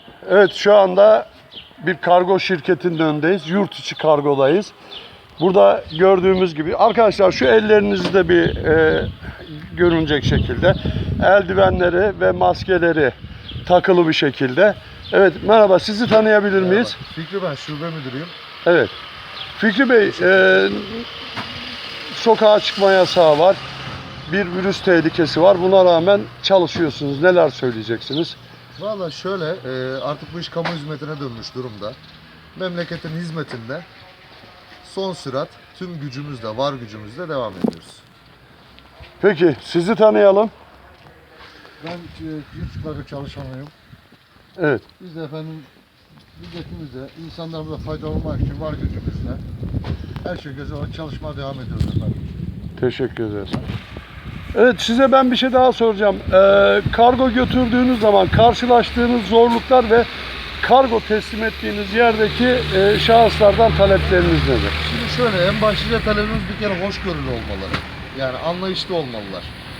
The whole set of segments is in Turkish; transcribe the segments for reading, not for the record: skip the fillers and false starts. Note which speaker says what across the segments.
Speaker 1: Evet, şu anda bir kargo şirketinin önündeyiz. Yurt içi kargodayız. Burada gördüğümüz gibi arkadaşlar şu ellerinizi de bir görünecek şekilde eldivenleri ve maskeleri takılı bir şekilde. Evet, merhaba, sizi tanıyabilir miyiz?
Speaker 2: Fikri, ben şube müdürüyüm.
Speaker 1: Evet. Fikri Bey, sokağa çıkma yasağı var. Bir virüs tehlikesi var. Buna rağmen çalışıyorsunuz. Neler söyleyeceksiniz?
Speaker 2: Valla şöyle, artık bu iş kamu hizmetine dönmüş durumda. Memleketin hizmetinde son sürat tüm gücümüzle, var gücümüzle devam ediyoruz.
Speaker 1: Peki, sizi tanıyalım.
Speaker 3: Ben yurt kargo çalışanıyım.
Speaker 1: Evet.
Speaker 3: Biz de efendim milletimize, insanlarımıza faydalı olmak için var gücümüzle her şey göze alarak çalışmaya devam ediyoruz efendim.
Speaker 1: Teşekkür ederiz. Evet, size ben bir şey daha soracağım. Kargo götürdüğünüz zaman karşılaştığınız zorluklar ve kargo teslim ettiğiniz yerdeki şahıslardan talepleriniz nedir?
Speaker 2: Şimdi şöyle, en başlıca talebimiz bir kere hoşgörülü olmaları. Yani anlayışlı olmalılar.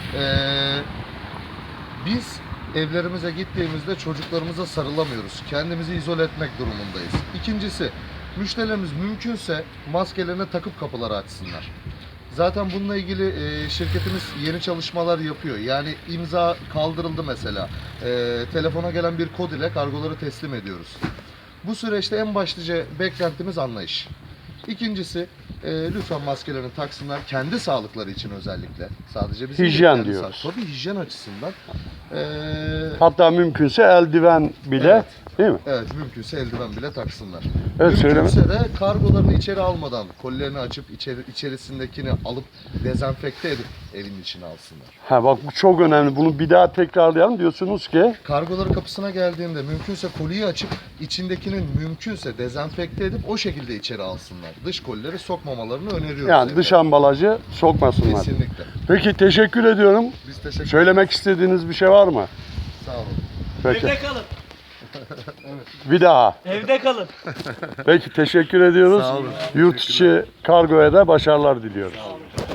Speaker 2: Biz evlerimize gittiğimizde çocuklarımıza sarılamıyoruz. Kendimizi izole etmek durumundayız. İkincisi, müşterilerimiz mümkünse maskelerini takıp kapıları açsınlar. Zaten bununla ilgili şirketimiz yeni çalışmalar yapıyor. Yani imza kaldırıldı mesela. Telefona gelen bir kod ile kargoları teslim ediyoruz. Bu süreçte en başlıca beklentimiz anlayış. İkincisi, lütfen maskelerini taksınlar kendi sağlıkları için özellikle. Sadece bizim
Speaker 1: Hijyen
Speaker 2: kendi
Speaker 1: diyoruz.
Speaker 2: Tabii hijyen açısından.
Speaker 1: Hatta mümkünse eldiven bile,
Speaker 2: Evet.
Speaker 1: değil mi?
Speaker 2: Evet, mümkünse eldiven bile taksınlar.
Speaker 1: Evet,
Speaker 2: Mümkünse de kargolarını içeri almadan, kolilerini açıp içerisindekini alıp dezenfekte edip evin içine alsınlar.
Speaker 1: Ha bak, bu çok önemli. Bunu bir daha tekrarlayalım. Diyorsunuz ki
Speaker 2: Kargoları kapısına geldiğinde mümkünse koliyi açıp içindekinin mümkünse dezenfekte edip o şekilde içeri alsınlar. Dış kolileri sokmamalarını öneriyoruz.
Speaker 1: yani dış ambalajı sokmasınlar.
Speaker 2: Kesinlikle.
Speaker 1: Peki, teşekkür ediyorum.
Speaker 2: Biz teşekkür ederiz.
Speaker 1: Söylemek istediğiniz bir şey var mı?
Speaker 2: Sağ olun.
Speaker 1: Peki.
Speaker 4: Evde kalın.
Speaker 1: Bir daha.
Speaker 4: Evde kalın.
Speaker 1: Peki, teşekkür ediyoruz.
Speaker 2: Sağ olun.
Speaker 1: Yurt içi kargoya da başarılar diliyoruz.